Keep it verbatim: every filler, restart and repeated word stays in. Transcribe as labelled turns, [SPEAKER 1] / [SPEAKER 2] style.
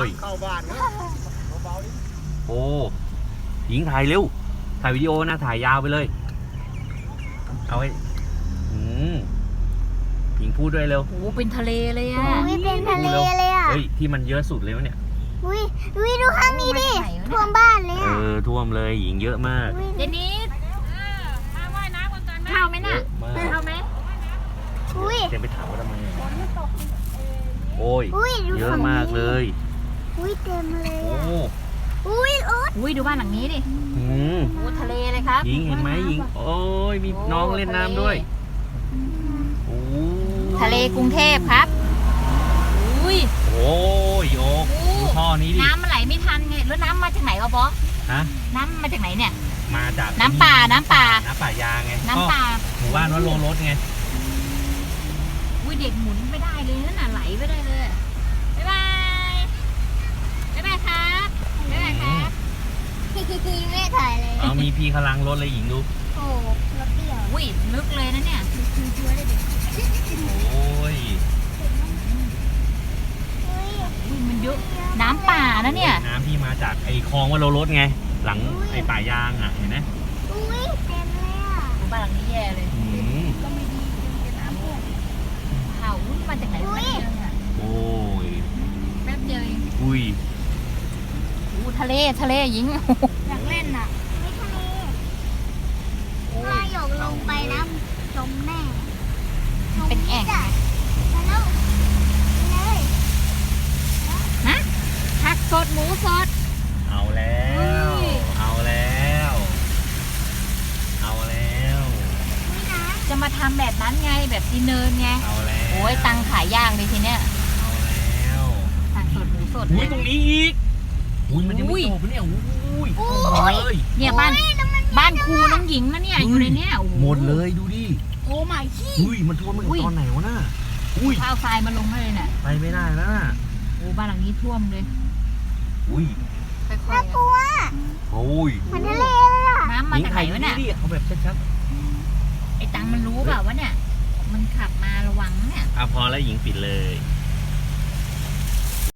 [SPEAKER 1] ย
[SPEAKER 2] เข้าบ้านนะเบาๆดิ
[SPEAKER 1] โอ้หญิงถ่ายเร็วถ่ายวิดีโอนะถ่ายยาวไปเลยเอาไว้อืมหญิงพูดด้วยเร็ว
[SPEAKER 3] โอ้เป็นทะเลเลยอ่ะ
[SPEAKER 4] อุ้ยเป็นทะเลเลยอ่ะ
[SPEAKER 1] เฮ้ยที่มันเยอะสุดเลยวะเนี่ย
[SPEAKER 4] อุ้ยอุ้ยดูข้างนี้ดิท่วมบ้านเลย
[SPEAKER 1] เอ
[SPEAKER 4] อ่ะ
[SPEAKER 1] อท่วมเลยหญิงเยอะมาก
[SPEAKER 3] เจนิสมาว่ายน้ำกันก่อนไหมเข้าไหมน่ะ
[SPEAKER 1] มาก
[SPEAKER 3] เข้าไหม
[SPEAKER 4] อุ้ย
[SPEAKER 1] เจนไปถามว่าทำไมโอ้ย
[SPEAKER 4] อุ้ยดู
[SPEAKER 1] เยอะ
[SPEAKER 4] ฝั่ง
[SPEAKER 1] มากเล
[SPEAKER 4] นี้
[SPEAKER 1] ย
[SPEAKER 4] อุ้ยเต็มเลย
[SPEAKER 1] โอ้
[SPEAKER 4] อ่ะอุ้ยโอ๊ย
[SPEAKER 3] อุ้ยดูบ้านหลังนี้ดิ
[SPEAKER 1] อืม
[SPEAKER 3] โอ้ทะเลเลยครับ
[SPEAKER 1] หญิงเห็นไหมหญิงโอ้ยมีน้องเล่นน้ำด้วยโอ้
[SPEAKER 3] ทะเลกรุงเทพครับอุ้ย
[SPEAKER 1] โอ้ยโอ้ดูท่อนี้ดิ
[SPEAKER 3] น้ำมันไหลไม่ทันไงแล้วน้ำมาจากไหนวะบอส
[SPEAKER 1] ฮะ
[SPEAKER 3] น้ำมาจากไหนเนี่ย
[SPEAKER 1] มาจาก
[SPEAKER 3] น้ำป่าน้ำป่า
[SPEAKER 1] น้ำป่ายางไง
[SPEAKER 3] น้ำป่า
[SPEAKER 1] ก็หมู่บ้านวัดโลรถไง
[SPEAKER 3] อุ้ยเด็กหมุนไม่ได้เลยนั่นน่ะไหลไม่ได้เลยบ๊ายบายบ๊ายบายครับบ๊ายบายครับ
[SPEAKER 4] ไม่ถ่ายเลย
[SPEAKER 1] เอามีพี่พลังรถเลยหญิงดู
[SPEAKER 4] โอ้รถเดี่ยว
[SPEAKER 3] อุ้ยลึกเลยนะเนี่ย
[SPEAKER 1] โอ้ย
[SPEAKER 4] อุ้ย
[SPEAKER 3] อุ้ยมันเยอะน้ำป่านะเนี่ย
[SPEAKER 1] น้ำที่มาจากไอ้คลองวัดโลรถไงหลังไอ้ป่ายางอ่ะเห็นไหม
[SPEAKER 4] อุ้ยเต็มเลยอ่ะ
[SPEAKER 3] บ้านหลังนี้แย่เลย
[SPEAKER 1] อืม
[SPEAKER 4] ก็ไม่ดีเป็นน้ำเพื่อน
[SPEAKER 3] ข่าวอุ้ยมาจากไหน
[SPEAKER 4] อุ้ย
[SPEAKER 1] โอ้ย
[SPEAKER 3] แป๊บเดียวเอง
[SPEAKER 1] อุ้ย
[SPEAKER 3] อู้ทะเลทะเลหญิง
[SPEAKER 4] อยากเล่นอ่ะไม่ทะเล
[SPEAKER 1] โอ้
[SPEAKER 4] ถ้าย หยกลงไปนะจมแน่
[SPEAKER 3] เป็นแอ่ง
[SPEAKER 4] จ้ะมาแล้วเลย
[SPEAKER 3] นะผักสดหมูสด
[SPEAKER 1] เอาแล้ว เอาแล้ว เอาแล้ว
[SPEAKER 4] อุ้ยนะ
[SPEAKER 3] จะมาทำแบบนั้นไงแบบดินเนินไง
[SPEAKER 1] เอาแล้ว
[SPEAKER 3] โอ้ยตังขายย่างเลยทีเนี้ย
[SPEAKER 1] เอาแล้ว
[SPEAKER 3] ผักสดหมูสด
[SPEAKER 1] อุ้ยตรงนี้อีกอุ้ยมันยัง
[SPEAKER 3] อุ้
[SPEAKER 1] ไม่
[SPEAKER 3] ย
[SPEAKER 1] จบเนี่ยอุ้ย
[SPEAKER 4] อุ้
[SPEAKER 1] หมด
[SPEAKER 4] ย
[SPEAKER 1] เลย
[SPEAKER 3] เนี่ยบ้านบ้านครูน้องหญิงนะเนี่ยอยู่ในเนี้ยโอ้โ
[SPEAKER 1] หมดเลยดูดิ
[SPEAKER 4] โอ้ไม่ขี้
[SPEAKER 1] อุ้ยมันท่วมมาถึงตอนไหนวะน่ะอุ้ย
[SPEAKER 3] ข้าวทรายมาลงให้เลยน่ะ
[SPEAKER 1] ไปไม่ได้แล้วน่ะ
[SPEAKER 3] โอ้บ้านหลังนี้ท่วมเลย
[SPEAKER 1] อุ้ย
[SPEAKER 3] ค่อย
[SPEAKER 4] น่ากลัว
[SPEAKER 1] โอ้ย
[SPEAKER 4] เหมือนทะเลเลยอ่ะ
[SPEAKER 3] ๆน้ำมาจากไหนวะเนี่ย
[SPEAKER 1] ดิเอาแบบชัด
[SPEAKER 3] ไอ้ตังมันรู้เปล่าวะเนี่ย มันขับมาระวังนะเนี่ย
[SPEAKER 1] ๆอ่ะพอแล้วหญิงปิดเลย